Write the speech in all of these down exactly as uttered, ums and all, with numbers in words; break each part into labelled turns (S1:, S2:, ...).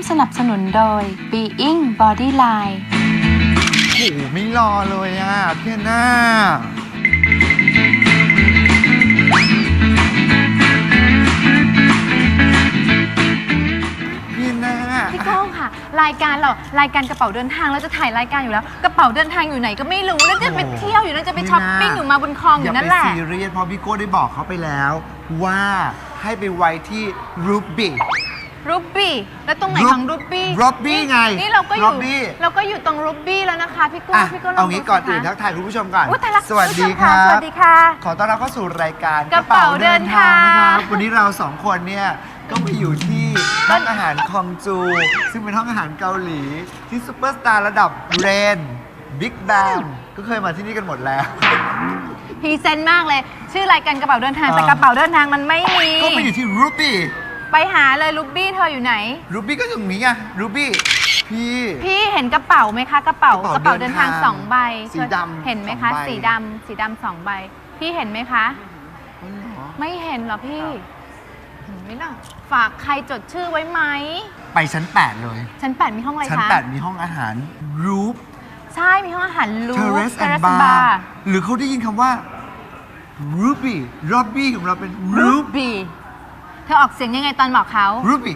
S1: สนับสนุนโดย Being Bodyline
S2: โอ้โหไม่รอเลยอ่ะพี่หน้าพี่หน้า
S1: พี่ก้องค่ะรายการเรารายการกระเป๋าเดินทางเราจะถ่ายรายการอยู่แล้วกระเป๋าเดินทางอยู่ไหนก็ไม่รู้แล้วจะไปเที่ยวอยู่นั่นจะไปช้อปปิ้งอยู่มาบนคลองอยู่นั่นแหละ
S2: อย่าไปซีเรียสเพราะพี่โก้ได้บอกเขาไปแล้วว่าให้ไปไว้ที่รูบี้
S1: รูบี้แล้วตรงไหนของรูบี้
S2: รูบี้ไง
S1: นี่เราก็อยู่
S2: Ruby
S1: เราก็อยู่ตรงรูบี้แล้วนะคะพี่ก้อง
S2: อ่ะ
S1: พี่ก้องล
S2: เอา
S1: องดู
S2: งี้ก่อน
S1: สิ
S2: อื่น
S1: คะ
S2: ทักทายคุณผู้ชมก่อน
S1: อุ๊ยตายละ
S2: สวัสดี
S1: ณผู้ชม
S2: ครั
S1: ส
S2: บ
S1: วัสดีค่ะ
S2: ขอต้อนรับเข้าสู่รายการ
S1: กระเป๋าเดินทาง
S2: นะครับวันนี้เราสองคนเนี่ยก็มาอยู่ที่ห้องอาหารคองจู ซึ่งเป็นห้องอาหารเกาหลี ที่ซุปเปอร์สตาร์ระดับเรนบิ๊กแบงก็เคยมาที่นี่กันหมดแล้ว
S1: พรีเซนต์มากเลย ชื่อรายการกระเป๋าเดินทาง
S2: อ่า
S1: แต่กระเป๋าเดินทางมันไม่มี
S2: ก็มาอยู่ที่รูบี้
S1: ไปหาเลยรูบี้เธออยู่ไหน
S2: รูบี้ก็อยู่ตรงนี้ไงรูบี้พี่
S1: พี่เห็นกระเป๋าไหมคะกระเป๋าก
S2: ระ
S1: กระ
S2: เป๋า
S1: เป๋า
S2: เดิ
S1: เดิ
S2: น
S1: น
S2: ทา
S1: ทาง งสองใบ
S2: สีดำ
S1: เห็นไหมคะ
S2: สองใบ
S1: สีดำสีดำสองใบ พี่เห็นไหมคะ ไม่เห็นเหรอพี่เห็นไหมล่ะฝากใครจดชื่อไว้ไหม
S2: ไปชั้นแปดเลย
S1: ชั้นแปดมีห้องอะไรคะ
S2: ชั้นแปดมีห้องอาหารรูป
S1: ใช่มีห้องอาหารลู
S2: เทเรสแอนด์บาร์หรือเขาได้ยินคำว่า Ruby Ruby ของเราเป็น
S1: รู
S2: Ruby
S1: บี้เธอออกเสียงยังไงตอนบอกเขา
S2: Ruby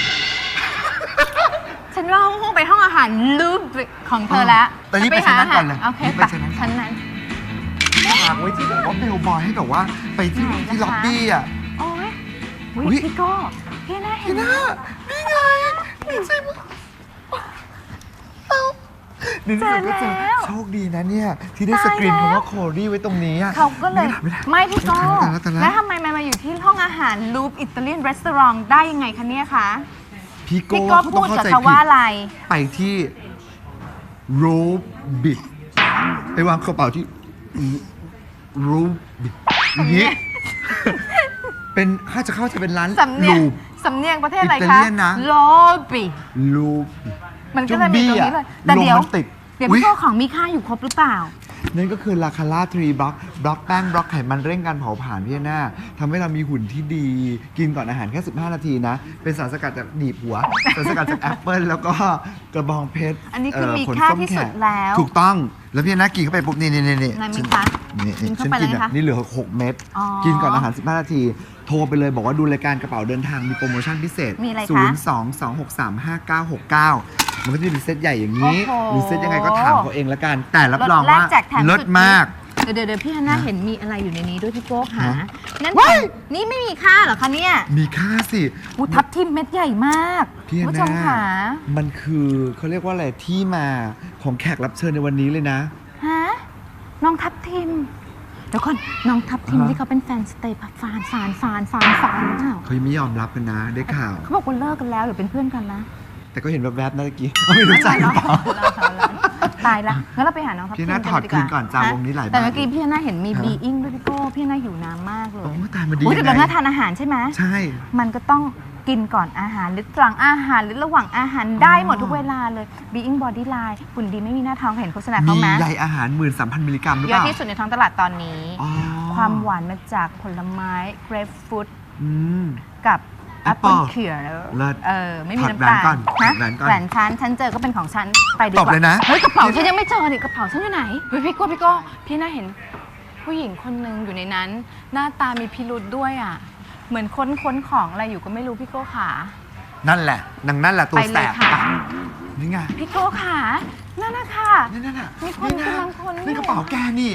S1: ฉันว่าห้องไปห้องอาหารลูบี้ของเธอแล้ว
S2: แต่นี่ไปชั้นนั้นก่อนเลย
S1: โอเค
S2: ไป
S1: ไป
S2: ชั้นนั้น
S1: ชั้นนั้น
S2: ฝากไว้ที่แบบว่าเบลบอยให้แบบว่าไปที่
S1: ไหนนะคะ
S2: ที่ล็อบบี้อ่ะ
S1: โอ้ย
S2: อุ๊
S1: อุ๊
S2: ย
S1: ยพี่โก้พี่น่าเห็น
S2: พี่
S1: ไหม
S2: น่านี่ไงนี่ใช่ไหมเอ้านี่
S1: เจอ
S2: ก็เจอ
S1: แล้ว
S2: โชคดีนะเนี่ย ที่ได้สกรีน
S1: ตายแล้ว
S2: คำว่าโคดี้ไว้ตรงนี้อ่ะ
S1: เขาก็เลย
S2: ไม่ได้
S1: ไม่พี่โก้
S2: แต่ละแต่ละ
S1: แล้วทำไมมันมาอยู่ที่ห้องอาหารลูปอิตาเลียนรีสอร์ทได้ยังไงคะเนี่ยคะ
S2: พี่โก้
S1: พี่โก้
S2: เขา
S1: พู
S2: ต้อง
S1: ด
S2: เข้า
S1: กับ
S2: ใจ
S1: เขา
S2: ผิ
S1: ว่า
S2: ด
S1: อะไร
S2: ไปที่โรบิดไปวางกระเป๋าที่โรบิดอย่างนี้ เป็นข้าจะเข้าจะเป็นร้าน
S1: สำเนียง
S2: ลูป
S1: สำเนียงประเทศอะไร
S2: อิตา
S1: คะ
S2: เลียนนะ
S1: โลบิ
S2: ลูป
S1: มันก็เลยมีตรงนี้เลยแต่
S2: ลม
S1: เดี๋ยว
S2: มันติด
S1: เดี๋ยว
S2: อุ๊ย
S1: พี่โก้ของมีค่าอยู่ครบหรือเปล่า
S2: นั่นก็คือลาคาร่าทรีบล็อกบล็อกแป้งบล็อกไขมันเร่งการเผาผลาญพี่หน้าทำให้เรามีหุ่นที่ดี กินก่อนอาหารแค่ สิบห้า นาทีนะ เป็นสารสกัดจากหนีบหัว สารสกัดจากแอปเปิลแล้วก็กระบองเพชร
S1: อันนี้คือ
S2: เ
S1: มี
S2: ผล
S1: ค่า
S2: ส้ม
S1: ที่สุด
S2: ขก
S1: แล้ว
S2: ถูกต้องแล้วพี่หน้ากินเข้าไปปุ๊บนี่นี่นี่นี่
S1: ไหนไหม
S2: ฉัน
S1: คะ
S2: นี่
S1: กินเข้า
S2: ฉัน
S1: ไป
S2: กิน
S1: เลย
S2: อ่ะ
S1: นะคะ
S2: นี่เหลือหกเม็ด
S1: อ๋อ
S2: กินก่อนอาหาร สิบห้า นาที โทรไปเลยบอกว่าดูรายการกระเป๋าเดินทางมีโปรโมชั่นพิเศษ
S1: มีอะไรคะ
S2: ศูนย์ สอง สอง หก สาม ห้า เก้า หก เก้า มันก็จะมีเซตใหญ่อย่างนี้
S1: โอ้โห
S2: หรือเซตยังไงก็ถามเขาเองละกัน แต่รับรอง
S1: แร
S2: ว่าก
S1: แจกแถม
S2: เลิศ
S1: สุด
S2: มาก
S1: เดี๋ยวเดี๋ยวเดี๋ยวพี่ฮันน่าเห็นมีอะไรอยู่ในนี้ด้วยพี่โก้ค่ะ
S2: ฮะ
S1: นั่น
S2: ว้าย
S1: นี่ไม่มีค่าเหรอคะเนี่ย
S2: มีค่าสิ
S1: อูทับทิมเม็ดใหญ่มาก
S2: พี่
S1: คุณผู้ช
S2: หน้าม
S1: ค่ะ
S2: มันคือเขาเรียกว่าอะไรที่มาของแขกรับเชิญในวันนี้เลยนะ
S1: ฮะน้องทับทิมเดี๋ยวก่อนน้องทับทิม
S2: ฮะ
S1: ที่เขาเป็นแฟนสเตย์ฟานฟานฟานฟานฟานเปล่า
S2: เขายังไม่ยอมรับกันนะได้ข่าว
S1: เขาบอกว่าเลิกกันแล้วหรือเป็นเพื่อนกันนะ
S2: แต่ก็เห็นแวบๆนะเมื่อกี้ ไม่รู้จักหรือเปล่า
S1: ตายละงั้นเราไปหาน้องทับทิม
S2: พี่ฮันน่าถอด
S1: ดี
S2: คืนก่อนจ้ะ
S1: ฮะ
S2: วงนี้หลายบาท
S1: แต่เมื่อกี้พี่ฮันน่าเห็นมี
S2: ฮะ
S1: บีอิงด้วยพี่โก้พี่ฮันน่าหิวน้ำมากเลย
S2: โอ้ตายมาดี
S1: อุ๊ยแต่
S2: ยัง
S1: เรา
S2: ไง
S1: น่าทานอาหารใช่ไหม
S2: ใช่
S1: มันก็ต้องกินก่อนอาหารหรือหลังอาหารหรือระหว่างอาหารได้หมดทุกเวลาเลย Being Bodyline หุ่นดีไม่มีหน้าท้องเห็นโฆษณาเขา
S2: มี
S1: ไหม
S2: ใยอาหาร หนึ่งหมื่นสามพัน มิลลิกรัมหรือ
S1: เย
S2: เป
S1: อะ
S2: ล่า
S1: ที่สุดในท้องตลาดตอนนี้
S2: อ๋อ
S1: ความหวานมาจากผลไม้ grapefruit
S2: อืม
S1: กับ
S2: Apple
S1: apple เขียว
S2: เลิศ
S1: เออไม่มี
S2: ถอด
S1: น้ำตาล
S2: แหวนก่อน
S1: ฮะ
S2: ถอดแหวนก่อน
S1: แหวนฉันฉันเจอก็เป็นของฉันไปดีก
S2: ต
S1: ว่า
S2: บเลยนะ
S1: เฮ้ยกระเป๋าฉันยังไม่เจอนี่กระเป๋าฉันอยู่ไหนเฮ้ยพี่โก้พี่โก้พี่น่าเห็นผู้หญิงคนหนึ่งอยู่ในนั้น หน้าตามีพิรุธด้วยอ่ะเหมือนค้นค้นของอะไรอยู่ก็ไม่รู้พี่โก้ขา
S2: นั่นแหละนางนั่นแหละตัว
S1: ไป
S2: แส
S1: เลย
S2: บ
S1: ค่ะ
S2: ปะนี่ไง
S1: พี่โก้ขานั่นนะค่ะ
S2: นี่นั่นน่ะ
S1: มีคน
S2: นะ
S1: กำลังคน
S2: นี่กระเป๋าแกนี่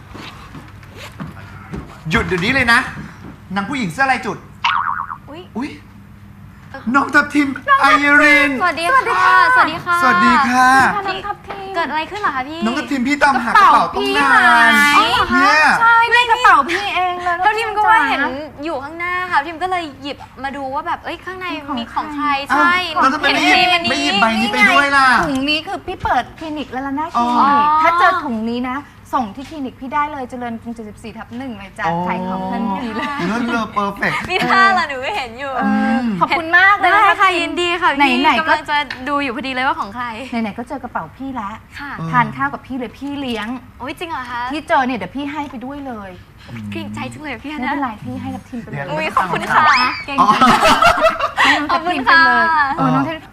S2: หยุดเดี๋ยวนี้เลยนะนางผู้หญิงเสื้อลายจุด
S3: อุ๊ย
S2: อุ้ยน้องทับทิมไอริน
S3: สวัสดีค่ะ สวัสดีค่ะ
S2: สวัสดีค่ะ
S1: น้องทับทิม
S3: เกิดอะไรขึ้นเหรอคะพี่
S2: น้องทับทิมพี่ตามหากระเป๋าต้องนาน
S1: อ๋อเหรอคะ
S2: เนี่ย
S1: ใช่ในกระเป๋าพี่เองเลย
S3: แล้วทิมก็ว่าเห็น
S1: จ๋
S3: อยู่ข้างหน้าค่ะทิมก็เลยหยิบมาดูว่าแบบ เอ้ย ข้างใน
S1: ของ
S3: มีของ
S1: ใคร
S3: ใคร ใช่
S2: อ้าวแล้วทำไมไม่หยิบ
S3: เห็น
S2: ไม่หยิบ
S3: ใน
S2: ใบนี้ไปด้วยล่ะ
S1: ถุงนี้คือพี่เปิดคลินิกแล้วล่ะนะค
S2: อ๋
S1: ลิ
S2: อ
S1: นิกถ้าเจอถุงนี้นะ ส่งที่คลินิกพี่ได้เลยเจริญกรุงเจ็ดสิบสี่ทับหนึ่งเลยจ้ะขายของทันทีเลย
S2: เลิศเลอเพอร์เฟกต์
S3: มีท่าละหนูก็เห็นอยู่
S1: เออขอบคุณมากเลย
S3: ได้
S1: นะ
S3: ค่ะยินดีค่ะพี่
S1: ไหนๆก็
S3: กำลังจะดูอยู่พอดีเลยว่าของใคร
S1: ไหนๆก็เจอกระเป๋าพี่ละ
S3: ค่ะ
S2: เออ
S1: ทานข้าวกับพี่เลยพี่เลี้ยง
S3: โอ้ยจริงเหรอคะ
S1: ที่เจอเนี่ยเดี๋ยวพี่ให้ไปด้วยเลย
S3: เกรงใจจังเลยพี่ฮัน
S1: ไม่
S3: นะ
S1: เป็นไรพี่ให้กับทีมไปเลย
S3: อุ้ยขอบคุณค่ะ
S1: เก่ง
S2: อ๋อ
S1: จังให้น้อง
S3: ข
S1: ทั
S3: อ
S1: พ
S3: บคุณ
S1: ทีมไปเลย
S3: ค่ะ
S1: เออน้องทัพ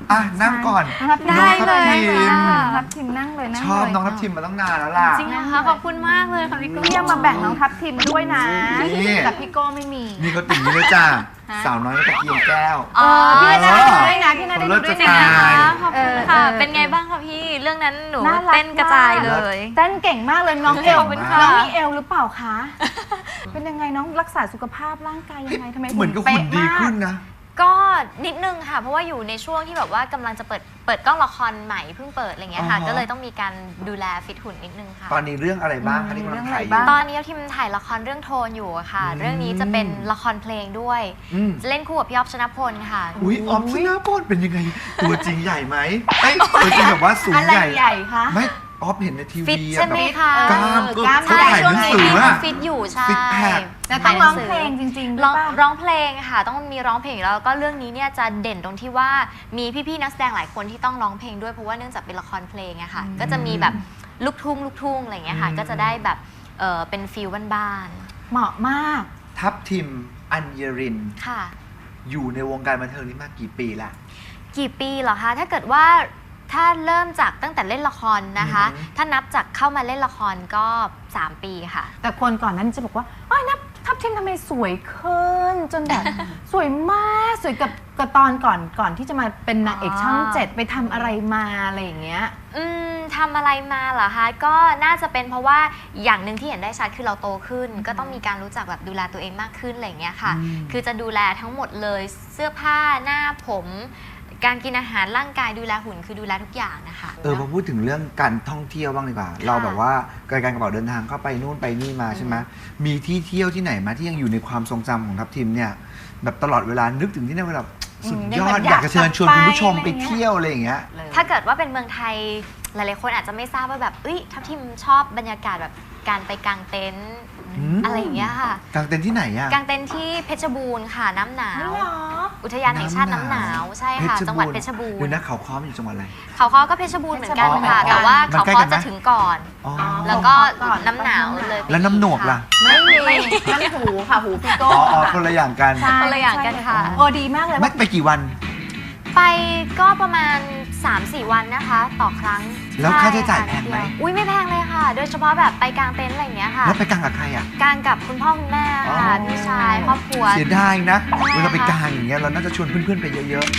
S2: อ่ะนั่งก่อน
S1: น้องทับทิม
S3: ได้เลย
S2: น้องทับทิม
S3: ค่ะ
S1: น้องทับทิมนั่งเลยนั่ง
S2: ชอบ
S1: เลย
S2: น้องทับทิมมาตั้งนานแล้วล่ะ
S3: จริงเหรอคะขอบคุณมากเลยค่ะพี่โก้
S1: พี่ยังมาแบ่งน้องทับทิมด้วยนะ
S2: นี่
S1: แต่พี่โก้ไม่มี
S2: นี่เขาติ่งนี้เลยจ้า
S1: ฮะ
S2: สาวน้อยตะเกียงแก้ว
S3: อ๋อ
S1: พี่นา
S2: เอ
S1: ได้
S2: อ
S1: ดูด้วยนะพี่นาได้ดูด้วย
S2: เลิ
S1: นะ
S2: ศจะตาย
S3: ขอบคุณค่ะ
S1: เออเออ
S3: เป็นไงบ้างคะพี่ เรื่องนั้นหนู
S1: น่ารัก
S3: เต้นกระจายเลย
S1: เต้นเก่งมากเลยน้องเอว
S3: ขอบคุณค่ะ
S1: น้องมีเอวหรือเปล่าคะ เป็นยังไงน้องรักษาสุขภาพร่างกายยังไงทำไม
S2: เหมือนกับหุ่นดีขึ้นนะ
S3: ก็นิดนึงค่ะ เพราะว่าอยู่ในช่วงที่แบบว่ากำลังจะเปิดเปิดกล้องละครใหม่เพิ่งเปิดอะไรเงี้ยค่ะ
S2: อ๋อ
S3: ก็เลยต้องมีการดูแลฟิตหุ่นนิดนึงค่ะ
S2: ตอนนี้เรื่องอะไรบ้างคะที่กำลังถ่ายอยู่
S3: ตอนนี้ทีมถ่ายละครเรื่องโทนอยู่อะค่ะ
S2: อืม
S3: เรื่องนี้จะเป็นละครเพลงด้วย
S2: อืม
S3: จะเล่นคู่กับพี่อ๊อฟชนพลค่ะ
S2: อุ้ยออมชนะพลเป็นยังไง ตัวจริงใหญ่ไหมเอ้ยตัวจริงแบบว่าสูง
S1: อะไร
S2: ใหญ่
S1: ใหญ่คะ
S2: ไม่ออฟเห็นในที
S3: ฟิต
S2: วี
S3: ใช่ไหมคะ
S2: กล้ามก็
S1: กล้าม
S2: เขา
S3: ใช่
S2: ถ่าย
S3: ช่ว
S2: ห
S3: ง
S2: นัง
S3: นี้
S2: สือ
S3: พี่
S2: อะ
S3: ฟิตอยู่ใช่
S2: ซิกแพค
S1: แต่ต้องร้องเพลงจริงๆหรือ
S3: ร้อง
S1: เปล่า
S3: ร้องเพลงค่ะ ต้องมีร้องเพลงอยู่แล้วแล้วก็เรื่องนี้เนี่ยจะเด่นตรงที่ว่ามีพี่ๆนักแสดงหลายคนที่ต้องร้องเพลงด้วยเพราะว่าเนื่องจากเป็นละครเพลงอะค่ะ ก็จะมีแบบลูกทุ่งลูกทุ่งอะไรอย่างเงี้ยค่ะ
S2: อืม
S3: ก็จะได้แบบเออเป็นฟิลบ้าน
S1: เหมาะมาก
S2: ทัพทิมอัญญริน
S3: ๆค่ะ
S2: อยู่ในวงการบันเทิงนี้มากี่ปีละ
S3: กี่ปีเหรอคะ ถ้าเกิดว่าถ้าเริ่มจากตั้งแต่เล่นละครนะคะ
S2: อือหือ
S3: ถ้านับจากเข้ามาเล่นละครก็สามปีค่ะ
S1: แต่คนก่อนนั้นจะบอกว่าอ้อยนับทับทิมทำไมสวยขึ้น จนแบบ สวยมากสวยกับกับตอนก่อนก่อนที่จะมาเป็นนางเอกช่อง
S3: อ๋อ
S1: เจ็ดไปทำอะไรมาอะไรอย่างเงี้ย
S3: อืมทำอะไรมาเหรอคะ ก็น่าจะเป็นเพราะว่าอย่างหนึ่งที่เห็นได้ชัดคือเราโตขึ้น ก็ต้องมีการรู้จักแบบดูแลตัวเองมากขึ้นอะไรอย่างเงี้ยค่ะ
S2: อืม
S3: คือจะดูแลทั้งหมดเลยเสื้อผ้าหน้าผม การกินอาหารร่างกายดูแลหุ่นคือดูแลทุกอย่างนะคะ
S2: เออพอพูดถึงเรื่องการท่องเที่ยวบ้างดีกว่า เราแบบว่าการการกระเป๋าเดินทางเข้าไปนู่นไปนี่มาใช่ไหมมีที่เที่ยวที่ไหนมาที่ยังอยู่ในความทรงจำของทัพทิมเนี่ยแบบตลอดเวลานึกถึงที่นั่นแบบสุดยอด
S1: อืม
S2: อยากจะเชิญชวนคุณผู้ชม
S1: อยาก
S2: ไป
S1: ไป
S2: เที่ยวอะไรอย่างเงี้ย
S3: ถ้าเกิดว่าเป็นเมืองไทยหลายๆคนอาจจะไม่ทราบว่าแบบเอ้ยทัพทิมชอบบรรยากาศแบบการไปกางเต็นท์
S2: อืม
S3: อะไรอย่างเงี้ยค่ะ
S2: กางเต็นท์ที่ไหนอะ
S3: กางเต็นท์ที่เพชรบูรณ์ค่ะน้ำหนาว
S1: ไม่หรอ
S3: อุทยานแห่งชาติน้ำหนาวใช่ค่ะ จังหวัดเพชรบูร
S2: เดี๋ยว
S3: ณ์
S2: นะเขาค้อมอยู่จังหวัดอะไร
S3: เขาค้อก็เพชรบูรณ์เหมือนกัน
S1: เพชรบูรณ์
S3: ค่ะ
S1: เหมือนกัน
S3: แต่ว่า
S2: มัน
S3: เขา
S2: ใกล้
S3: ค้อ
S2: กันไหม
S3: จะถึงก่อน
S2: อ๋อ
S3: แล้วก็
S1: ก่อน
S3: น้ำหนาวเลยไป
S2: แล้วน้ำโหนกล่ะ
S1: ไม่มีนั่นหูค่ะหูพี่โก้
S2: อ๋ออ๋อคนละอย่างกัน
S1: ใช่
S3: คนละอย่างกันค่ะ
S1: โอ้ดีมากเลย
S2: ไม่
S1: ว่า
S2: ไปกี่วัน
S3: ไปก็ประมาณ สามสี่ วันนะคะ ต่อครั้ง
S2: แล้วค่าใช้จ่าย
S3: ช่
S2: แพงไหม
S3: ค่ะอุ้ยไม่แพงเลยค่ะ โดยเฉพาะแบบไปกางเต็นท์อะไรอย่างเงี้ยค่ะ
S2: แล้วไปกางกับใครอ่ะ
S3: กางกับคุณพ่อคุณแม่ค่ะ
S2: อ๋อ
S3: พี่ชายครอบครัว
S2: เสียดายนะ
S3: ใช่
S2: เวลาไป
S3: ค่ะ
S2: กางอย่างเงี้ยเราน่าจะชวนเพื่อนๆไปเยอะ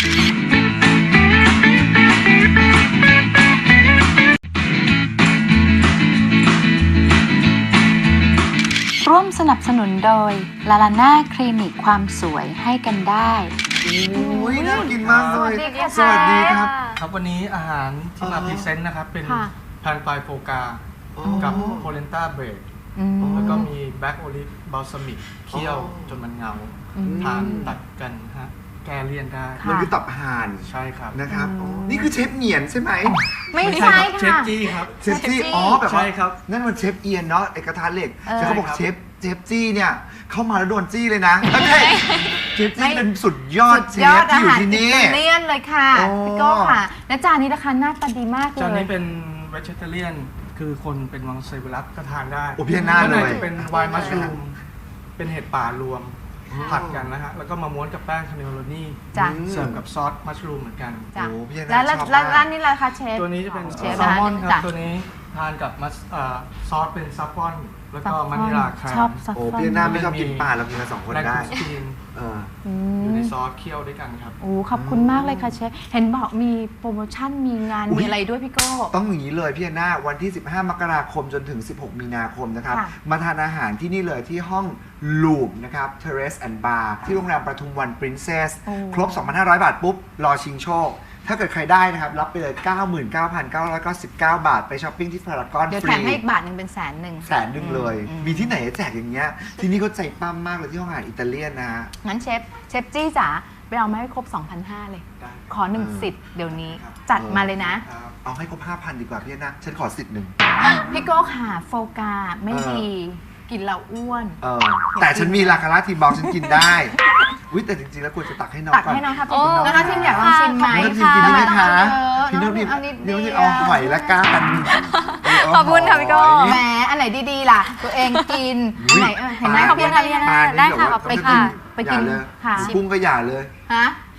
S4: ร่วมสนับสนุนโดยลาลาน่าคลินิกความสวยให้กันได้
S2: ๆอุ้ยน่ากินมากเลย
S3: สวัสดีค่ะ
S2: สวัสดีครับ
S5: ครับวันนี้อาหารที่มา
S2: อ๋อ
S5: พรีเซนต์นะครับ เป็น
S1: ค่ะ
S5: แพนไฟโฟกา
S2: อ๋อ
S5: กับโพเลนต้าเบรด
S1: อืม
S5: แล้วก็มีแบล็กโอลิฟบ a ลซามิกเคี่ยว
S2: อ๋อ
S5: จนมันเงา
S1: อืม
S5: ทานตัดกันฮะแก้เลี่ยนได้
S1: ค่ะ
S2: มันคือตับห่าน
S5: ใช่ครับ
S2: นะครับ
S1: อืม
S2: นี่คือเชฟเหนียนใช่ไหม
S1: ไม่ใช่
S5: เชฟ
S1: ค่ะ
S5: จี้ครับ
S2: เชฟจี้อ๋อแบบ
S5: ใช่
S2: ว่า
S5: ครับ
S2: นั่นมันเชฟเอียนเนาะไอกระทะเหล็ก
S1: เออ
S2: แต่เขาบอกเชฟเชฟจี้เนี่ยเข้ามาแล้วโดนจี้เลยนะไม่ใช่เชฟจี้เป็นสุดยอดเช
S1: สุดยอ
S2: ฟ
S1: ด
S2: ที่
S1: อา
S2: อยู่
S1: หาร
S2: ที่
S1: อิ
S2: นี่
S1: ตาเลียนเลยค่ะ
S2: โอ้
S1: พี่โก้ค่ะ และจานนี้นะคะหน้าตาดีมากเล
S5: จาน
S1: ย
S5: นี้เป็นเวจเทเรียนคือคนเป็นมังสวิรัตก็ทานได้
S2: โอ้พี่หน้า
S5: ข้าง
S2: เล
S5: ใน
S2: ย
S5: จะเป็นไวน์มัชรูมเป็นเห็ดป่ารวมผัดกันนะฮะแล้วก็มาม้วนกับแป้งคาเนโรนี่
S1: จ้ะ
S5: เสิร์ฟกับซอสมัชรูมเหมือนกัน
S1: จ้ะ
S2: โอ้พี่
S1: แล้ว
S2: น่า
S1: แล้ว
S2: ชอบ
S1: แล้ว
S2: มาก
S1: ร้านนี้ล่ะคะเชฟ
S5: ตัวนี้จะเป็น
S1: เชฟ
S5: แซลมอนครับ
S1: จ้ะ
S5: ตัวนี้ทานกับมัสเอ่อซอสเป็นซัฟฟอนแล้วก็
S1: ซัฟฟอน
S5: มะนิลาคา
S1: ชอบซัฟ
S2: โอ้
S1: ฟอน
S2: พี่หน้าไม่ชอบกินปลาเรากินกันสองคน
S5: แบล็ก
S2: ได้
S5: คุสตีน
S2: เออ
S1: อื
S5: อยู่ใน
S1: ม
S5: ซอสเคี่ยวด้วยกันครับ
S1: โอ้ขอบคุณมากเลยค่ะเชฟ เห็นบอกมีโปรโมชั่นมีงาน
S2: อุ๊ย
S1: มีอะไรด้วยพี่โก้
S2: ต้องอย่างนี้เลยพี่หน้าวันที่ สิบห้า มกราคมจนถึง สิบหก มีนาคมนะครับ
S1: ค่ะ
S2: มาทานอาหารที่นี่เลยที่ห้องลูปนะครับ Terrace and Bar ที่โรงแรมประทุมวัน Princess
S1: โอ้
S2: ครบ สองพันห้าร้อย บาทปุ๊บ รอชิงโชค ถ้าเกิดใครได้นะครับ รับไปเลย เก้าหมื่นเก้าพันเก้าร้อยเก้าสิบเก้า บาท ไปช้อปปิ้งที่พารากอน
S1: เดี๋ยว
S2: ฟ
S1: แถ
S2: รี
S1: มให้อีกบาทหนึ่งเป็นแสนหนึ่ง
S2: แสนหนึ่งเลย
S1: อืม
S2: มีที่ไหนจะแจกอย่างเงี้ย ที่นี่เขาใจปั้มมากเลยที่ห้องอาหารอิตาเลียนนะฮะ
S1: งั้นเชฟ เชฟจี้จ๋าไปเอามาให้ครบ 2,500 เลย
S5: ได้
S1: ขอหนึ่ง
S2: เออ
S1: สิทธิ์เดี๋ยวนี้
S2: ครับ
S1: จัดมาเลยนะ
S5: ครับ
S2: เอาให้ครบ ห้าพัน ดีกว่าพี่หน้าฉันขอสิทธิ์หนึ่ง
S1: พี่โก้ค่ะโฟกาไม่
S2: เออ
S1: ดี กินแล้วอ้วน
S2: เออแต่ฉันมีราคาราทีบอกฉันกินได้วิแต่จริงๆแล้วควรจะตักให้น้อง
S1: ตัก
S2: ก่อน
S1: ให้น้องครับ
S3: โอ้
S1: น้องครับทีมอยากลองชิมไหม
S2: พี่น้องพิมกินนี่ไหมคะ
S1: เออ
S2: พี่น้องพิม
S1: เอานิดเดียว
S2: พี่น้องพิมเอาหอยละก้าน
S3: ขอบคุณค่ะพี่โก้
S1: แหมอันไหนดีๆล่ะ ตัวเองกินอันไหนเออเห็นไหม
S3: ขอบคุณค่ะพี่
S1: พี่
S3: นา
S1: นา
S3: ได้ค่ะขอบ
S1: ไป
S3: คุณ
S1: กิน
S3: ค่ะ
S1: ไปกิน
S2: อย่าเลย
S1: ค่ะ
S2: กุ้งก็อย่าเลย
S1: ฮะ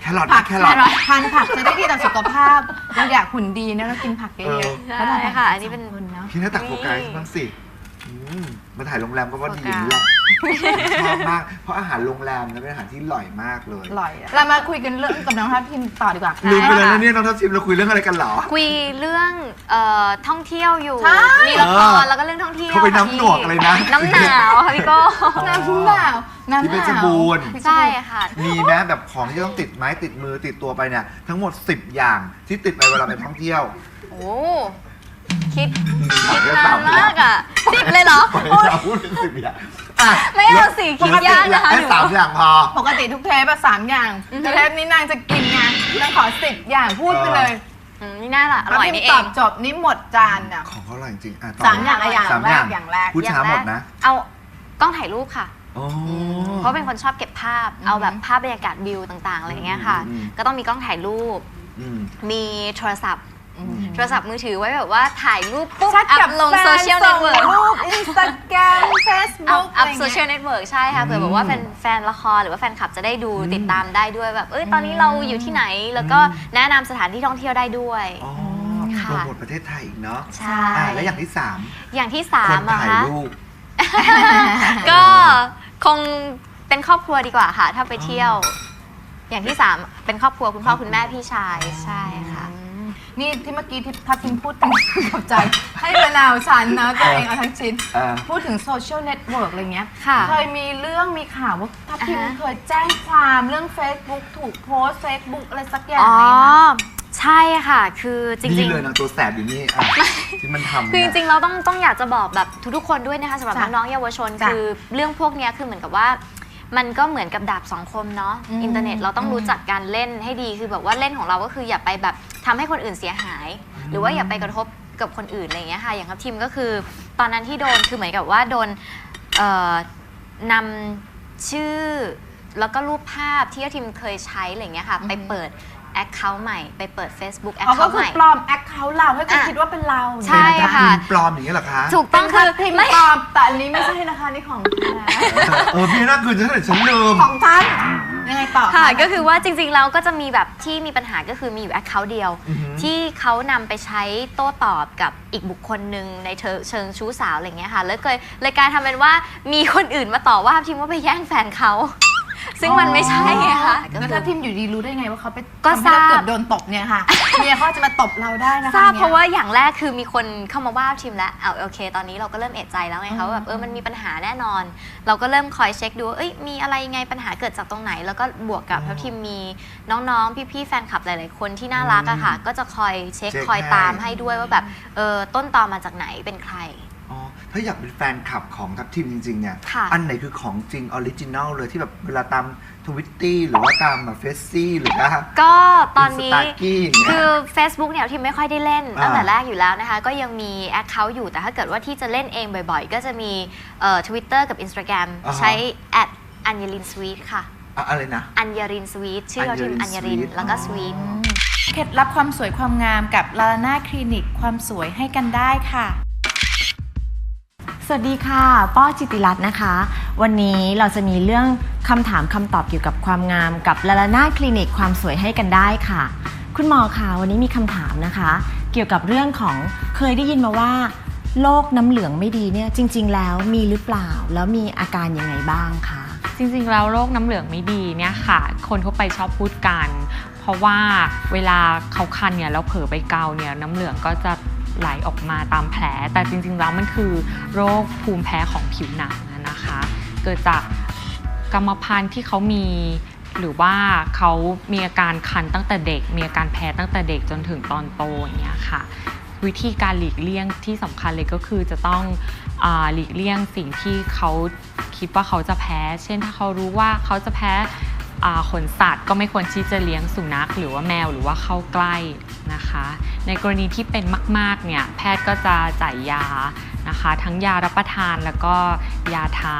S2: แครอท
S1: ผัก
S2: แครอท
S1: ทานผักจะได้ดีต่อสุขภาพเราอยากหุ่นดีนะเรากินผักเย
S2: เอ
S1: อะ
S2: อ
S1: ๆ
S3: ใช่
S1: แล้วเราแบ่ง
S3: ค่ะ
S1: กั
S3: อันนี้เป็น
S1: สงคนเนาะ
S2: พี่น่าตักโฟกัสบ้างสิอืมมาถ่ายโรงแรมก็ว่าดีอย่างนี้แหละชอบมาก เพราะอาหารโรงแรมนะเป็นอาหารที่อร่อยมากเลย
S1: อร่อยอะเรามาคุยกันเรื่องกับน้องทัพทิมต่อดีกว่า
S2: ลืมไปเลยนะเนี่ยน้องทัพทิมเราคุยเรื่องอะไรกันเหรอ
S3: คุยเรื่องเอ่อท่องเที่ยวอยู่
S1: ใช่
S3: มีละค
S2: เอ
S3: ร
S2: อ
S3: แล้วก็เรื่องท่องเที่ยว
S2: เขาไป
S3: ค่ะ
S2: น้ำหนวก
S3: พี่
S2: อะไรนะ
S3: น้ำหนาวค่ะพี่โก้
S1: น้ำหนาวน้ำหนาว
S2: ที่เพชรบูรณ์
S3: ใช่ค่ะ
S2: มีแม้แบบของที่ต้องติดไม้ติดมือติดตัวไปเนี่ยทั้งหมดสิบอย่างที่ติดไปเวลาไปท่องเที่ยว
S3: โอ้คิดคิดนานมากอ่ะสิบเลยเหรอ
S2: ไปเราพูดเป็นสิบอย่างอ่ะ
S3: ไม่เอาสิคิดยากนะคะ
S2: แค่
S3: หนู
S2: สามอย่างพอ
S1: ปกติทุกเทปอะสามอย่างแต่เทปนี้นางจะกินไงนางขอสิบอย่างพูดไปเลย
S3: อืมนี่น่าละอร่อยนี่เอ
S1: ตอง บจบนี่หมดจานอะ
S2: ของเขาอร่อยจริงๆอ่ะต่
S1: สามอย่างอะอย่าง
S2: สาม
S1: แร
S2: อก ย่าง
S1: อย่างแรก
S2: พูดช้าหมดนะ
S3: เอากล้องถ่ายรูปค่ะ
S2: โอ้
S3: เพราะเป็นคนชอบเก็บภาพ เอาแบบภาพบรรยากาศวิวต่างๆอะไรอย่างเงี้ยค่ะ
S2: อืม
S3: ก็ต้องมีกล้องถ่ายรูป
S2: อืม
S3: มีโทรศัพท์
S1: อืม
S3: โทรศัพท์มือถือไว้แบบว่าถ่ายรูปปุ๊บ
S1: ชัด
S3: อั
S1: กับ
S3: พลง
S1: แฟน
S3: โซเชียลเน็ตเวิร์ก
S1: ส่งรูปอินสตาแกรมเฟซ
S3: อัพ
S1: บุ๊ก
S3: อัพโซเชียลเน็ตเวิร์กใช่ค่ะเผื่อแบบว่าแฟนแฟนละครหรือว่าแฟนคลับจะได้ดู
S2: อืม
S3: ติดตามได้ด้วยแบบเอ้ยตอนนี้เราอยู่ที่ไหน แล้วก็แนะนำสถานที่ท่องเที่ยวได้ด้วย
S2: อ๋อ
S3: ค่ะ
S2: โปรโมทประเทศไทยอีกเนาะ
S3: ใช่
S2: อ่ะแล้วอย่างที่สาม
S3: อย่างที่สา
S2: ค
S3: ม
S2: น
S3: อะ
S2: ถ่าย
S3: คะ
S2: รูป
S3: ก็คงเป็นครอบครัวดีกว่าค่ะ ถ้าไปเที่ยว อย่างที่สามเป็นครอบครัวคุณพ่อคุณแม่พี่ชายใช่ค่ะ
S1: นี่ที่เมื่อกี้ที่ทัพทิมพูดถึงกับใจ ให้มะนาวฉันนะตัวเองเอาทั้งชิ้น
S2: เออ
S1: พูดถึงโซเชียลเน็ตเวิร์กอะไรเงี้ย
S3: ค่ะ
S1: เคยมีเรื่องมีข่าวว่าทัพทิม
S3: อ่าฮะ
S1: เคยแจ้งความเรื่อง Facebook ถูกโพสต์ Facebook อะไรสักอย่าง
S3: อ๋อ
S1: ไหมคะ
S3: ใช่ค่ะ คือจริ
S2: นี่
S3: ง
S2: เลยนะตัวแสบอยู่นี่อ่ะที่มันทำ
S3: ๆ คือจ
S2: เนี่ย
S3: ริงๆ เราต้องต้องอยากจะบอกแบบทุกๆ คนด้วยนะคะสำหรับ
S1: จ้ะ
S3: น้องๆ เยาวชน
S1: จ้ะ
S3: คือเรื่องพวกเนี้ยคือเหมือนกับว่า มันก็เหมือนกับดาบสองคมเนาะ
S1: อืม
S3: อินเทอร์เน็ตเราต้อง
S1: อืม
S3: รู้จักการเล่นให้ดีคือแบบว่าเล่นของเราก็คืออย่าไปแบบทำให้คนอื่นเสียหาย หรือว่าอย่าไปกระทบกับคนอื่นอะไรอย่างเงี้ยค่ะอย่างครับทีมก็คือตอนนั้นที่โดนคือเหมือนกับว่าโดนเอ่อนำชื่อแล้วก็รูปภาพที่ทีมเคยใช้อะไรอย่างเงี้ยค่ะไปเปิดแอคเคาท์ใหม่ไปเปิด Facebook
S1: อ๋อ
S3: Account
S1: ก็คื
S3: ให
S1: อ
S3: ม่
S1: ปลอมแอคเคาท์เราให้คุณ
S3: อ่ะ
S1: คิดว่าเป็นเรา
S3: ใช่
S2: เป็นทัพ
S3: ค่ะ
S2: ทิมปลอมอย่างนี้เหรอคะ
S3: ถูกต้องคือ
S1: พิมพ์
S3: ไม่
S1: ปลอมแต่อันนี้ไม่ใช่นะคะนี่ของแท้
S2: เออพี่น่าคืนฉันเลยฉันลืม
S1: ของท่านยังไงต่อ
S3: ค่ะก็คือว่าจริงๆแล้วก็จะมีแบบที่มีปัญหาก็คือมีอยู่แอคเคาท์เดียว
S2: อือหือ
S3: ที่เขานำไปใช้โต้ตอบกับอีกบุคคลหนึ่งในเธอเชิงชู้สาวอะไรเงี้ยค่ะแล้วเคยเลยกลารทำเป็นว่ามีคนอื่นมาต่อว่าทีมว่าไปแย่งแฟนเขาซึ่งมันไม่ใช่ไงคะ
S1: แล้วถ้าพิมพ์อยู่ดีรู้ได้ไงว่าเขาไป
S3: ก็
S1: ทำให้เ
S3: ทราบ
S1: เกือบโดนตบเนี่ยค่ะ เมียเขาจะมาตบเราได้นะคะ
S3: ทราบ
S1: นี่ย
S3: เพราะว่าอย่างแรกคือมีคนเข้ามาว่าทีมแล้วเอาโอเค ตอนนี้เราก็เริ่มเอะใจแล้วไงคะว่าแบบเออมันมีปัญหาแน่นอน เราก็เริ่มคอยเช็คดูว่าเอ้ยมีอะไรไงปัญหาเกิดจากตรงไหน แล้วก็บวกกับทัพทีมมีน้องๆพี่ๆแฟนคลับหลายๆคนที่น่ารักอะค่ะก็จะคอยเช็ค
S2: เช็ค
S3: คอย
S2: ให้
S3: ตามให้ด้วยว่าแบบเออต้นตอมาจากไหนเป็นใคร
S2: อ๋อถ้าอยากเป็นแฟนคลับของทัพทีมจริงๆเนี่ย
S3: ค่ะ
S2: อันไหนคือของจริงออริจินัลเลยที่แบบเวลาตามทวิตตี้หรือว่าตามแบบเฟซซี่หรือว่า
S3: ก็ตอนนี้
S2: Instagram อย่างเงี้ย
S3: คือ Facebook เนี่ยทีมไม่ค่อยได้เล่น
S2: อ่า
S3: ตั้งแต่แรกอยู่แล้วนะคะ ก็ยังมี Account อยู่แต่ถ้าเกิดว่าที่จะเล่นเองบ่อยๆ ก็จะมีเอ่อ Twitter กับ Instagram
S2: อ่าฮะ
S3: ใช้ แอท อัญญริน sweet ค่ะ
S2: อะอะไรนะ
S3: อัญญริน sweet ชื่อเราทีม
S2: อั
S3: อั
S2: ญ
S3: ญ
S2: ญ
S3: ญ
S2: ริ
S3: ริ
S2: น
S3: น
S2: sweet
S3: แล้วก็
S2: อ๋อ
S3: sweet
S4: เคล็ดลับความสวยความงามกับลาลาน่าคลินิกความสวยให้กันได้ค่ะ
S6: สวัสดีค่ะ ป้อจิติรัตน์นะคะ วันนี้เราจะมีเรื่องคำถามคำตอบเกี่ยวกับความงามกับลาลาน่าคลินิกความสวยให้กันได้ค่ะ คุณหมอคะวันนี้มีคำถามนะคะ เกี่ยวกับเรื่องของเคยได้ยินมาว่าโรคน้ำเหลืองไม่ดีเนี่ยจริงๆแล้วมีหรือเปล่าแล้วมีอาการยังไงบ้างคะ
S7: จริงๆแล้วโรคน้ำเหลืองไม่ดีเนี่ยค่ะ คนทั่วไปชอบพูดกัน เพราะว่าเวลาเขาคันเนี่ยแล้วเผลอไปเกาเนี่ยน้ำเหลืองก็จะไหลออกมาตามแผล แต่จริงๆแล้วมันคือโรคภูมิแพ้ของผิวหนังนะคะ เกิดจากกรรมพันธุ์ที่เขามีหรือว่าเขามีอาการคันตั้งแต่เด็ก มีอาการแพ้ตั้งแต่เด็กจนถึงตอนโตอย่างเงี้ยค่ะ วิธีการหลีกเลี่ยงที่สำคัญเลยก็คือจะต้องอ่าหลีกเลี่ยงสิ่งที่เขาคิดว่าเขาจะแพ้ เช่นถ้าเขารู้ว่าเขาจะแพ้อ่าขนสัตว์ก็ไม่ควรที่จะเลี้ยงสุนัขหรือว่าแมวหรือว่าเข้าใกล้นะคะ ในกรณีที่เป็นมากๆเนี่ยแพทย์ก็จะจ่ายยานะคะ ทั้งยารับประทานแล้วก็ยาทา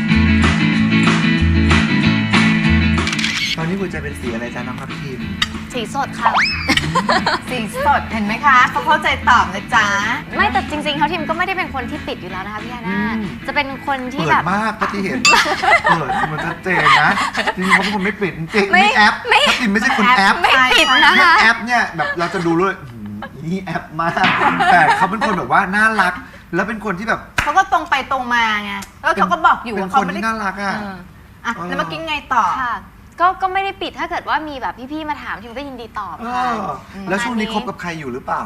S2: ตอนนี้หัวใจเป็นสีอะไรจ๊ะน้องทัพทีม
S1: จ
S3: สีสดค่ะ
S1: สีสดเห็นไหมคะเขาเข้าใจตอบนะจ๊ะ
S3: ไม่แต่จริงๆเขาทีมก็ไม่ได้เป็นคนที่ปิดอยู่แล้วนะคะพี่ฮาน่าจะเป็นคนที่
S2: เปิ
S3: แบ
S2: ด
S3: บ
S2: มากก็ที่เห็น เปิดมันชัดเจนนะจริงๆเขาเป็นคนไม่ปิดจริงๆ
S3: ไม่
S2: นี่แอป
S3: ไม่
S2: ถ้าติมไม่ใช่คนแอป
S3: ไม่ปิดนะคะ
S2: แอปเนี่ยแบบเราจะดูเลยอื้อหือนี่แอปมาก แต่เขาเป็นคนแบบว่าน่ารัก แล้วเป็นคนที่แบบ
S1: เขาก็ตรงไปตรงมาไงแล้วเขาก็บอกอยู่
S2: เป็น
S1: ว่า
S2: ค
S1: เขา
S2: น
S1: ไม่ได้
S2: ที่น่ารักอ่ะ
S1: เอออ่ะ
S2: เออ
S1: แล้วเมื่อกี้ไงต่อ
S3: ค่ะ ก็ก็ไม่ได้ปิดถ้าเกิดว่ามีแบบพี่ๆมาถามทีมก็ยินดีตอบ
S2: เอ
S3: ค่ะ
S2: อแล้วช่วงนี้คบกับใครอยู่หรือเปล่า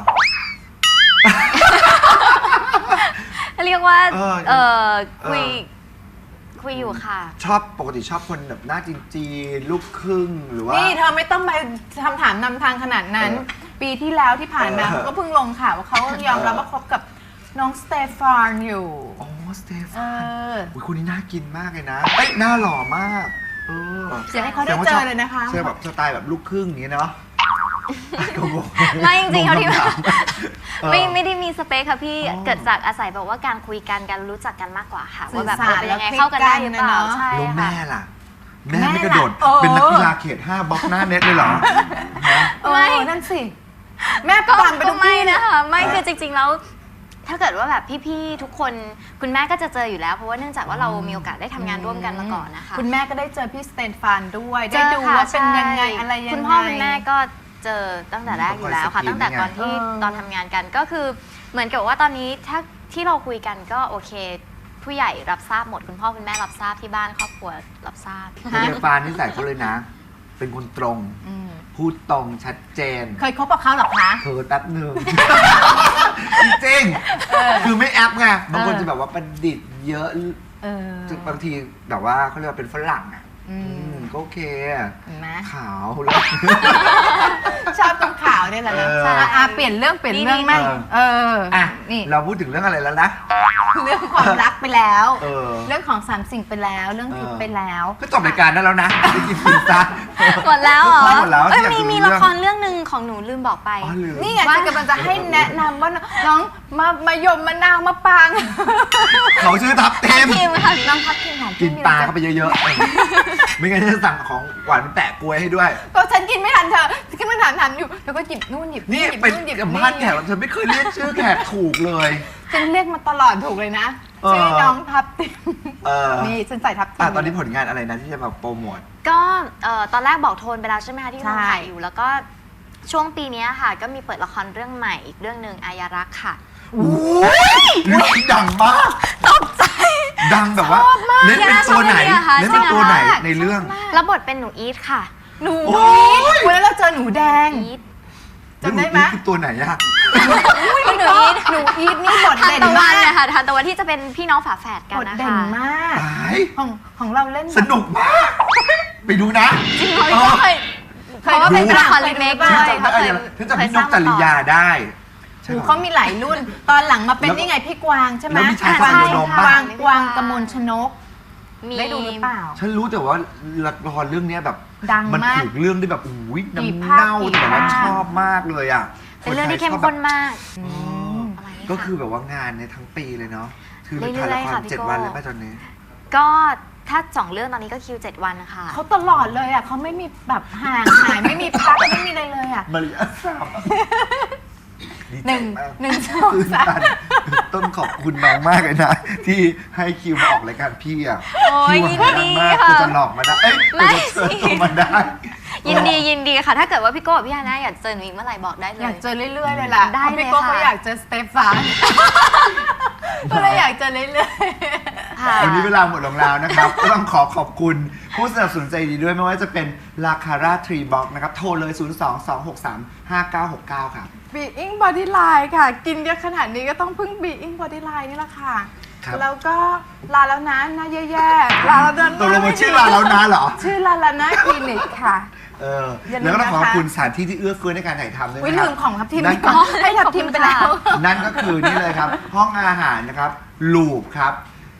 S3: เรียกว่า
S2: เออ
S3: เออคุย
S2: เออ
S3: คุยอยู่ค่ะ
S2: ชอบปกติชอบคนแบบหน้าจีนๆลูกครึ่งหรือว่า
S1: นี่เธอไม่ต้องไปคำถามนำทางขนาดนั้น
S2: เออ
S1: ปีที่แล้วที่ผ่านมา
S2: เออ
S1: เขาก็เพิ่งลงข่าวว่าเขายอมรับว่าคบกับน้องสเตฟานอยู่
S2: อ๋อสเตฟ
S1: เอ
S2: าน
S1: อ
S2: อุ๊ยคนนี้น่ากินมากเลยนะเอ้ยหน้าหล่อมากเออ
S1: เดี๋ยวให้เขาได้เจอเลยนะคะ
S2: ใช่แบบสไตล์แบบลูกครึ่งอย่างนี้เนาะก็งง
S3: ไม่จริงๆเขาที่
S2: งงคำถามเออ
S3: ไม่ไม่ได้มีสเปคค่ะพี่
S2: อ๋อ
S3: เกิดจากอาศัยแบบว่าการคุยกันการรู้จักกันมากกว่าค่ะ
S1: สื่
S3: ว่า
S1: อ
S3: แบบ
S1: สาร
S3: เออเป็นยังไง
S1: แล้ว
S3: เข้ากันได้หรือเปล่า
S1: คลิกกันนะเนอะ
S3: ใช่
S2: แล้ว
S3: ค่ะ
S2: แม่ล่ะ แม่
S1: แม่
S2: ไม่กระโดด
S1: ล่ะโอ้
S2: เป็นนักกีฬาเขตห้าบล็อกหน้าเน็ตเลยเหรอฮะ
S1: เออนั่นสิ แม่
S3: ก็
S1: ปั่นไป
S3: ก็
S1: ทุก
S3: ไม่
S1: ที่
S3: นะคะไม่
S2: อ่า
S3: คือจริงๆแล้ว ถ้าเกิดว่าแบบพี่ๆทุกคนคุณแม่ก็จะเจออยู่แล้ว เพราะว่าเนื่องจากว่าเรามีโอกาสได้ทำงานร่วมกันมาก่อนนะคะ
S1: คุณแม่ก็ได้เจอพี่สเตฟานด้วย
S3: เจ
S1: ได้
S3: อ
S1: ดู
S3: ค่ะ
S1: ว่าเป็นยังไง
S3: ใช่
S1: อะไรยังไง
S3: คุณพ่อคุณแม่ก็เจอตั้งแต่แรกอยู่แล้วค่ะ
S2: ต้องคอยสกรีน
S3: ตั้งแต่ตอนที่
S1: เออ
S3: ตอนทำงานกันก็คือเหมือนกับว่าตอนนี้ถ้าที่เราคุยกันก็โอเค ผู้ใหญ่รับทราบหมดคุณพ่อคุณแม่รับทราบที่บ้านครอบครัวรับทราบ
S2: สเตฟานที่ใส่เขาเลยนะ เป็นคนตรง
S1: อืม
S2: พูดตรงชัดเจน
S1: เคยคบกับเขาเหรอคะ
S2: เธอแป๊บหนึ่ง จริงๆคือไม่แอปไงบางคนจะแบบว่าประดิษฐ์เยอะ
S1: เออ
S2: บางทีแบบว่าเขาเรียกว่าเป็นฝรั่งอ่ะ
S1: อืม
S2: อืมก็โอเคอะ
S1: เห็นไหม
S2: ขาวแล้ว
S1: ชอบตรงขาวเนี่ยแหละนะ
S2: เออ
S1: ใช่อ่ะเปลี่ยนเรื่องเปลี่ยนเรื่องไหม
S2: เออ
S1: เออ
S2: อ่ะ
S1: นี่
S2: เราพูดถึงเรื่องอะไรแล้วนะ
S1: เรื่องความรักไปแล้ว
S2: เออ
S1: เรื่องของสามสิ่งไปแล้ว เรื่องทิพย์ไปแล้ว
S2: ก็จบรายการได้แล้วนะไม่กินพิซซ่า
S3: หมดแล้วเหรอ
S2: หมดแล้ว
S3: เอ้ย
S2: อยาก
S3: มี
S2: ดู
S3: มี
S2: เรื่
S3: ละ
S2: อง
S3: ครเรื่องหนึ่งของหนูลืมบอกไป
S2: อ๋อลืม
S1: นี่ไงฉันกำลังจะให้แนะนำว่าน้องมามายมมะนาวมะปาง
S2: เขาชื่อทับเต็ม
S3: ทีมค่ะ
S1: น้องพัดทีมของ
S2: กิ
S1: พี่
S2: น
S1: มี
S2: ปลา
S1: อะไร
S2: เข้าไปเยอะๆเออไม่งั้นจะสั่งของหวานแปะกล้วยให้ด้วย
S1: ก็ฉันกินไม่ทันเธอฉันกำลังถามถามอยู่แล้วก็หยิบนู่นหยิบ
S2: นี่
S1: หยิบ
S2: เป็น
S1: นู่นหยิบ
S2: กับ
S1: นี่
S2: บ้านแขกเธอไม่เคยเรียกชื่อแขกถูกเลย
S1: ฉันเรียกมาตลอดถูกเลยนะ
S2: เออ
S1: ชื่อน้องทับทิม
S2: เออ
S1: นี่ฉันใส่ทับทิ
S2: อ่ะ
S1: ม
S2: ตอนนี้ผลงานอะไรนะที่จะแบบโปรโมท
S3: ก็เอ่อตอนแรกบอกโทนไปแล้วใช่ไหมคะที่
S1: ใช่
S3: กำลังถ่ายอยู่แล้วก็ช่วงปีเนี้ยค่ะ ก็มีเปิดละครเรื่องใหม่อีกเรื่องหนึ่งอายารักษ์ค่ะ
S2: โอ้ยเรื่องนี้ดังมากตกใจดังแบบว่าเล่นเป็นตัวไหน
S3: ชอบเรื่องนี้อะค่ะ
S2: เล่นเป็นตัวไหน
S3: ชอบมาก
S2: ในเรื่อง
S3: แล้วบทเป็นหนูอีทค่ะ
S1: หนู
S2: โอ้
S1: อี
S2: ย
S1: ทวันนั้นเราเจอหนูแดง
S3: อีท
S1: จำได้ไหม
S2: นี่คือตัวไหนอะ
S3: หนูอีท
S1: หนูอีทนี่บท
S3: ทาน
S1: เด่น
S3: ตะวั
S1: มาน ก
S3: เนี่ยค่ะทานตะวันที่จะเป็นพี่น้องฝาแฝดกัน
S1: บท
S3: นะ
S1: เด่
S3: คะ
S1: นมาก
S2: ตาย
S1: ของของเราเล่นแบบ
S2: สนุกมาก ไปดูนะ
S3: จริงเหรอพี่ก็เคย
S1: เค
S3: เพ
S1: ย
S3: ราะว่า
S1: ดู
S3: เป็นละครรีเมค
S1: บ้า
S3: ด้
S1: ง
S3: วย
S2: จำได้
S3: เขาเคย
S2: ฉันจำ
S3: เคย
S2: พี่
S3: ส
S2: น
S3: ร้าก ง
S2: จริยาได้ใช่
S1: หู
S2: ปะ
S1: เขามีหลายรุ่น ตอนหลังมาเป็นนี่ไงพี่กวางใช่ไหม
S2: แล้วมีชาย
S1: กวาง
S2: พระโขนง
S1: ก
S2: บ้าง
S1: วางกวางกมลชนก
S3: มี
S1: ได้ดูหรือเปล่า
S2: ฉันรู้แต่ว่าละครเรื่องเนี้ยแบบ
S1: ดัง
S2: มัน
S1: มาก
S2: ถูกเรื่องได้แบบอุ้ย
S1: กี่
S2: น้ำ
S1: ภาค
S2: เน่า
S1: กี่
S2: แต่ว่า
S1: ภาค
S2: ชอบมากเลยอ่ะ
S3: เป็นเรื่องที่เข้ม
S2: ชบ
S3: ข้น
S2: แบบ
S3: มาก
S2: อ๋อ
S3: ประมาณนี้
S2: ก็
S3: ค่ะ
S2: คือแบบว่างานในทั้งปีเลยเนาะคือถ่าย
S3: เรื่
S2: ละ
S3: อย
S2: ค
S3: ๆ
S2: ร
S3: ค่ะพี่
S2: เจ็ด
S3: โก้
S2: วันเลยป่ะตอนนี้
S3: ก็ถ้าสองเรื่องตอนนี้ก็คิวเจ็ดวันนะคะ
S1: เขาตลอดเลยอ่ะเขาไม่มีแบบห่างหายไม่มีพักไม่มีอะไรเลยอ่ะ
S2: มาริยาสามดี
S1: ห
S2: ใจ
S1: นึ่ง
S2: มาก
S1: หนึ่งสอง
S2: ตื่น
S1: สาม
S2: ตันต้องขอบคุณน้องมากเลยนะ ที่ให้คิวมาออกรายการพี่อ่ะ
S3: โอ้ย
S2: คิว
S3: ยิน
S2: หา
S3: ดี
S2: ยากมาก
S3: ค่ะ
S2: กูจะหลอกมาได้เอ้ย
S3: ไม่
S2: กูจะเชิญตัวมาได้
S3: ยินดียินดีค่ะ ถ้าเกิดว่าพี่โก้กับพี่ฮาน่าอยากเจอหนูอีกเมื่อไหร่บอกได้เล
S1: อย ยากเจอเรื่อยๆเลยล่ะ
S3: ได้
S1: พราะ
S3: เลย
S1: พี่โก้
S3: ค่ะ
S1: ก็อยากเจอสเตฟานก็เลยอยากเจอเรื่อย
S3: ค่ะ
S2: วันนี้เวลาหมดลงแล้วนะครับ ก็ต้องขอขอบคุณผู้สนับสนุนใจดีด้วยไม่ว่าจะเป็นลาคาร่าทรีบ็อกนะครับ โทรเลย ศูนย์ สอง สอง หก สาม ห้า เก้า หก เก้า ครับ
S1: ๆบีอิงบอดี้ไลน์ค่ะ กินเยอะขนาดนี้ก็ต้องพึ่งบีอิงบอดี้ไลน์นี่แหละค่ะ
S2: ครับ
S1: แล้วก็ลาแล้วนะหน้าแย่ๆลาแล้วนะ
S2: ตกลงมันชื่อร้านแล้วนะเหรอ
S1: ชื่อลาลานาคลินิกค่ะ
S2: เออ
S1: อย่าลืม
S2: แล้วก็ต้องขอขอบ
S1: นะคะ
S2: คุณสถานที่ที่เอื้อเฟื้อในการถ่ายทำด้วย
S1: วิ
S2: นะค
S1: ลื
S2: รับ
S1: มของทับทิม
S2: นั่
S1: ไป
S2: น
S1: ก่
S2: ก็
S1: อนให้ทับทิมไปแล้ว
S2: นั่นก็คือนี่เลยครับ ห้องอาหารนะครับลูปครับ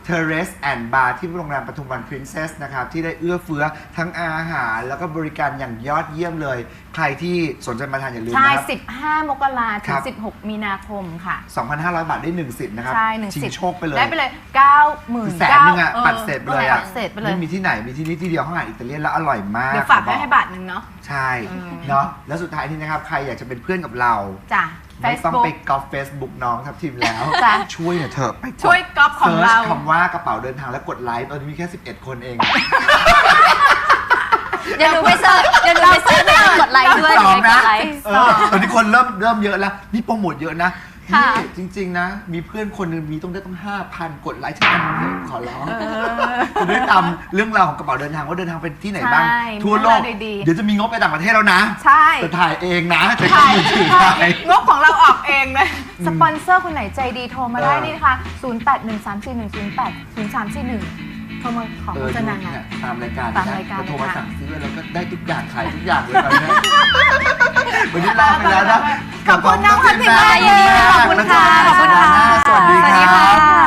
S2: Terrace and Bar ที่โรงแรมปทุมวัน Princess นะครับที่ได้เอื้อเฟื้อทั้งอาหารแล้วก็บริการอย่างยอดเยี่ยมเลย ใครที่สนใจมาทานอย่าลืม
S1: ใช่
S2: นะครับ
S1: สิบห้ามกราถึ
S2: ครั
S1: ง
S2: บ
S1: สิบหกมีนาคมค่ะ
S2: สองพันห้าร้อย บาทได้หนึ่งสิทธิ์นะครับ
S1: ใช่หนึ่ง
S2: ชิ
S1: สิ
S2: ง
S1: บ
S2: โชคไปเลย
S1: ได้ไปเลยเก้าหมื่น
S2: คือแสนหนึงอะปัดเศษไปเลยอะ
S1: ปัดเศษไปเลย
S2: ไม่มีที่ไหนมีที่นี่ที่เดียวห้องอาหารอิตาเลียนแล้วอร่อยมาก
S1: เดี๋ยวฝาก
S2: ขอ
S1: ไว้
S2: บอก
S1: ให้บาทหนึ่งเนาะ
S2: ใช่
S1: อืม
S2: เนาะแล้วสุดท้ายนี้นะครับใครอยากจะเป็นเพื่อนกับเรา
S1: จ้ะ
S2: ไม่ต้อง
S1: Facebook
S2: ไปกอล์ฟเฟซบุ๊กน้องทับทิมแล้ว
S1: จ้ะ
S2: ช่วยหน่อยเถอะไปกด
S1: ช่วยก๊อปของเรา
S2: สิร์ชคำว่ากระเป๋าเดินทางแล้วกดไลค์ตอนนี้มีแค่สิบเอ็ดคนเอง
S3: เดี๋ยวหนูไปเสิร์ชเดี๋ยวหนูไปเสิร์ชให้กดไลค์ด้วย
S2: สอง
S3: หนูไปก
S2: นะ
S3: ดไลค์
S2: เออตอนนี้คนเริ่มเริ่มเยอะแล้วนี่โปรโมทเยอะนะ
S3: ค่ะ
S2: นี่จริง ๆ นะ มีเพื่อนคนหนึงมีต้องได้ต้องห้าพันกดไลค์ฉันขอร้องจะได้ตามเรื่องราวของกระเป๋าเดินทางว่าเดินทางไปที่ไหนบ้าง
S1: ใช่
S2: ทั่วโลก
S1: เรื่องราวดีๆ
S2: เดี๋ยวจะมีงบไปต่างประเทศแล้วนะ
S1: ใช่
S2: จะถ่ายเองนะจะ
S1: ใช่
S2: มือถือ
S1: ใช่
S2: ถ่าย
S1: งบของเราออกเองเลย สปอนเซอร์คนไหนใจดีโทรมาได้
S2: เออ
S1: นี่นะคะ ศูนย์ แปด หนึ่ง สาม สี่ หนึ่ง ศูนย์ แปด ศูนย์ สาม สี่ หนึ่ง โทรมาขอ
S2: เอ
S1: โฆ
S2: อ
S1: ษ
S2: ดู
S1: ณางาน
S2: เนี่ยตามรายการ
S1: ตาม
S2: นะ
S1: รายการ
S2: จะโทรมา
S1: เลยค่ะ
S2: สั่งซื้อแล้วก็ได้ทุกอย่างขายทุกอย่างเลยตอนนี้วันนี้ลาไปแล้วนะ
S1: ขอบคุณน้องพันธิมาเยอะขอบคุณค่ะ
S2: ขอบคุณค่ะสวัสดี
S1: สวัสดี
S2: ครั
S1: ค่ะ
S2: บ